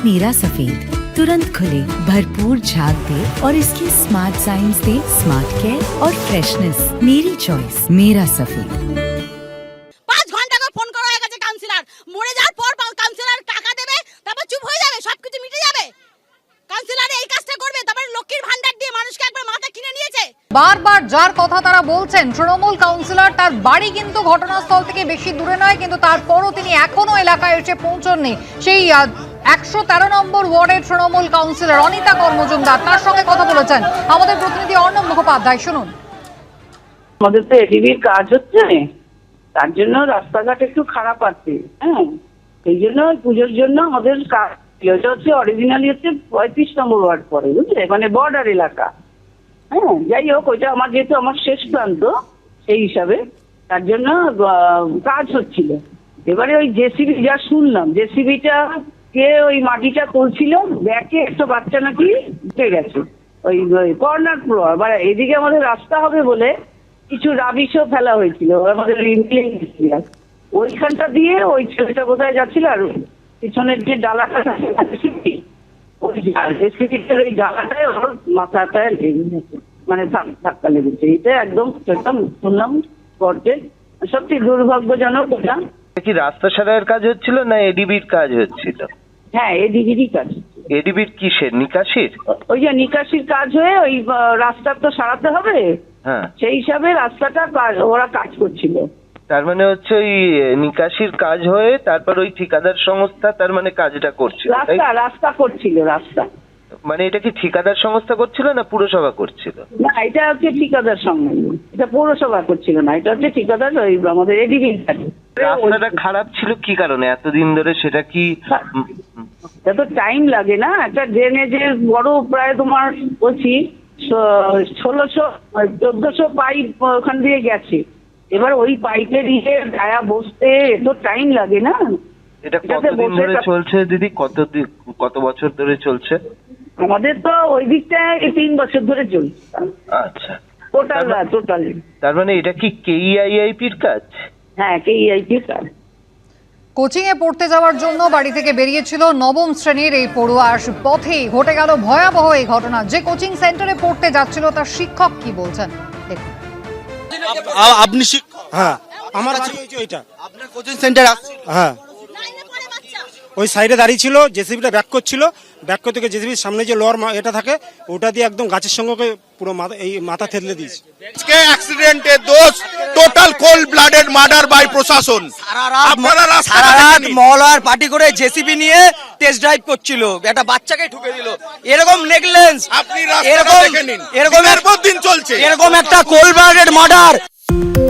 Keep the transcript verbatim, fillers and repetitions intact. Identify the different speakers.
Speaker 1: मेरा सफेद तुरंत खुले, भरपूर झाग दे और इसकी स्मार्ट साइंस दे स्मार्ट केयर और फ्रेशनेस। मेरी चॉइस मेरा सफेद।
Speaker 2: পাঁচ ঘন্টা করে ফোন করা হয়ে গেছে কাউন্সিলর, মরে যাওয়ার পর কাউন্সিলর টাকা দেবে, তারপর চুপ হয়ে যাবে, সবকিছু মিটে যাবে। কাউন্সিলর এই কাজটা করবে, তারপর লক্ষ্মীর ভান্ডার দিয়ে মানুষকে একবার মাথা কিনে নিয়েছে।
Speaker 3: বারবার যার কথা তারা বলছেন তৃণমূল কাউন্সিলর, তার বাড়ি কিন্তু ঘটনাস্থল থেকে বেশি দূরে নয়, কিন্তু তারপরও তিনি এখনো এলাকায় এসে পৌঁছননি। সেই একশো তেরো নম্বর ওয়ার্ডের তৃণমূল কাউন্সিলর অনিতা কর্মজুমদার, তার সঙ্গে কথা বলেছেন আমাদের প্রতিনিধি অর্ণব মুখোপাধ্যায়। শুনুন।
Speaker 4: আমাদের তো এডিবির কাজ হচ্ছে, তার জন্য রাস্তাঘাট একটু খারাপ আছে। হ্যাঁ, সেই জন্য পুজোর জন্য আমাদের কাজ হচ্ছে অরিজিনালি হচ্ছে পঁয়ত্রিশ নম্বর ওয়ার্ড পড়ে, বুঝলে, মানে বর্ডার এলাকা। হ্যাঁ, যাই হোক, ওইটা আমার যেহেতু আমার শেষ প্রান্ত, সেই হিসাবে তার জন্য কাজ হচ্ছিল। এবারে ওই জেসিবি যা শুনলাম, জেসিবিটা কে ওই মাটিটা তুলছিল, ব্যাকে একটা বাচ্চা নাকি ঢুকে গেছে ওই কর্নার ফ্লোর। বা এদিকে আমাদের রাস্তা হবে বলে কিছু রাবিশও ফেলা হয়েছিল আমাদের ওইখানটা দিয়ে। ওই ছেলেটা কোথায় যাচ্ছিল, আর পিছনের যে ডালাটা ওই জেসিবিটার ওই ডালাটায় ওর মাথাটায় লেগে গেছে, মানে ধাক্কা লেগেছে। এটা একদম একদম শুনলাম স্পটে, সত্যি দুর্ভাগ্যজনক। এটা
Speaker 5: কি রাস্তা সারাইয়ের কাজ হচ্ছিল না এডিবির কাজ হচ্ছিল?
Speaker 4: হ্যাঁ, এডিবিরই কাজ।
Speaker 5: এডিবির কিসের? নিকাশির?
Speaker 4: ওই যে নিকাশির কাজ হয়ে ওই রাস্তা তো সারাতে হবে,
Speaker 5: হ্যাঁ,
Speaker 4: সেই হিসাবে রাস্তাটা ওরা কাজ করছিল।
Speaker 5: তার মানে হচ্ছে ওই নিকাশির কাজ হয়ে তারপর ওই ঠিকাদার সংস্থা তার মানে কাজটা করছিল,
Speaker 4: রাস্তা রাস্তা করছিল রাস্তা।
Speaker 5: মানে এটা কি ঠিকাদার সংস্থা করছিল না পুরসভা করছিল?
Speaker 4: না, এটা হচ্ছে ঠিকাদার সঙ্গে, এটা পৌরসভা করছিল না, এটা হচ্ছে ঠিকাদার ওই আমাদের এডিবি।
Speaker 5: রাস্তাটা খারাপ ছিল কি কারণে এতদিন ধরে, সেটা কি?
Speaker 4: এত টাইম লাগে না, একটা ড্রেনেজের বড় প্রায় তোমার বলছি ষোলোশো চোদ্দশো পাইপ ওখান দিয়ে গেছে। এবার ওই পাইপের ইয়ে গায়া বসতে এত টাইম লাগে না।
Speaker 5: এটা কতদিন ধরে চলছে দিদি? কত কত বছর ধরে চলছে?
Speaker 4: আমাদের তো ওই দিকটায় তিন বছর ধরে চলছে।
Speaker 5: আচ্ছা,
Speaker 4: টোটাল টোটাল।
Speaker 5: তার মানে এটা কি কেইআইআইপির কাজ?
Speaker 4: হ্যাঁ, কেইআইপির কাজ।
Speaker 3: কোচিং এ পড়তে যাওয়ার জন্য বাড়ি থেকে বেরিয়েছিল নবম শ্রেণীর এই পড়ুয়ার, পথেই ঘটে গেল ভয়াবহ এই ঘটনা। যে কোচিং সেন্টারে পড়তে যাচ্ছিল তার শিক্ষক কি বলছেন দেখুন।
Speaker 6: আপনি শিক্ষক?
Speaker 7: হ্যাঁ, আমার বাড়ি হয়েছে ওইটা।
Speaker 6: আপনার কোচিং সেন্টার?
Speaker 7: হ্যাঁ, ওই সাইডে দাঁড়িয়ে ছিল, জেসিবিটা ব্যাক করছিল, ব্যাক করতে গিয়ে জেসিবির সামনে যে লোয়ার এটা থাকে ওটা দিয়ে একদম গাছের সঙ্গে পুরো মাথা এই মাথা থেতলে দিয়েছে।
Speaker 6: আজকে অ্যাক্সিডেন্টে দোষ total cold blooded murder by প্রশাসন।
Speaker 8: সারা রাত মহলার পার্টি করে জেসিবি নিয়ে টেস্ট ড্রাইভ করছিল, একটা বাচ্চাকে ঢুকে দিল। এরকম নেগলিজেন্স,
Speaker 6: আপনি রাস্তাটা দেখে নিন,
Speaker 8: এরকম
Speaker 6: দিন চলছে,
Speaker 8: এরকম একটা কোল্ড ব্লাডেড মার্ডার।